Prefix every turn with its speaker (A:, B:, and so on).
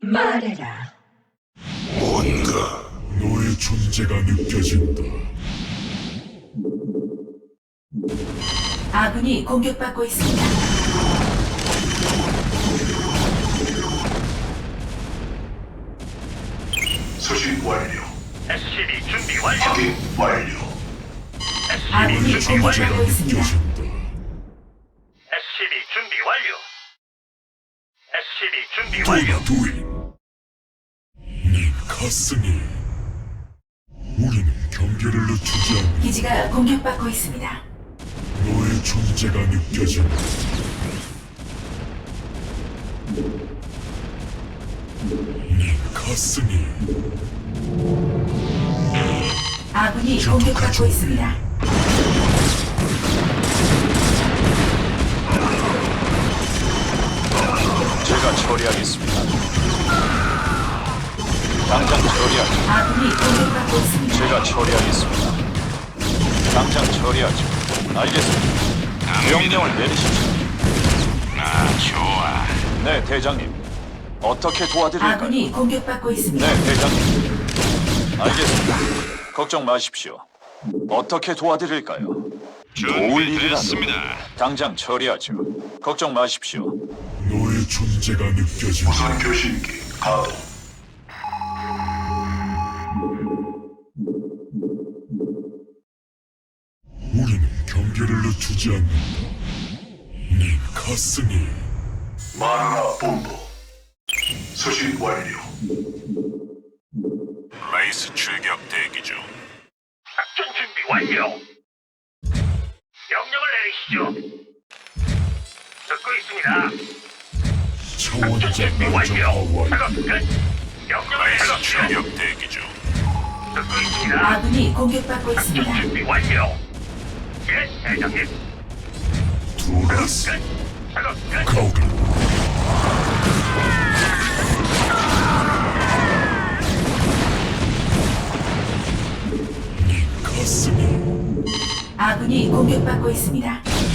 A: 말해라.
B: 뭔가 너의 존재가 느껴진다.
A: 아군이 공격받고 있습니다.
C: 수신 완료.
D: SCB 준비 완료.
C: 확인 완료.
A: 아군이
D: SCB 준비 완료.
A: 공격받고 있습니다.
B: 느껴진다.
D: SCB 준비 완료. SCB 준비 완료.
B: 도나두인 네 가슴이 우리는 경계를 늦추지 않는
A: 기지가 공격받고 있습니다.
B: 너의 존재가 느껴진다. 네 가슴이
A: 아군이 공격받고 있습니다.
E: 제가 처리하겠습니다. 당장 처리하죠.
A: 아군이 공격받고 있습니다.
E: 제가 처리하겠습니다. 당장 처리하죠. 알겠습니다. 명령을 내리십시오.
D: 좋아.
E: 네, 대장님. 어떻게 도와드릴까요?
A: 아군이 공격받고 있습니다.
E: 네, 대장님. 알겠습니다. 걱정 마십시오. 어떻게 도와드릴까요? 도울 일이라도 당장 처리하죠. 걱정 마십시오.
B: 너의 존재가 느껴진다.
C: 무선 교신기 가동.
B: 우리는 경계를 늦추지 않는다. 네 가슴이
C: 마누라 본부. 수신 완료.
D: 레이스 출격 대기 중. 작전 준비 완료. 명령을 내리시죠. 듣고 있습니다.
B: 차원자
D: 준비 완료.
B: 안정화
D: 작업
B: 완료.
D: 끝. 명령을 내리시죠. 대기 중. 듣고 있습니다.
A: 아군이 공격받고 있습니다.
D: 준비 완료. 예, 대장님.
B: 두라스
D: 끝. 작업 끝.
B: 가오가 네 가슴이
A: 아군이 공격받고 있습니다.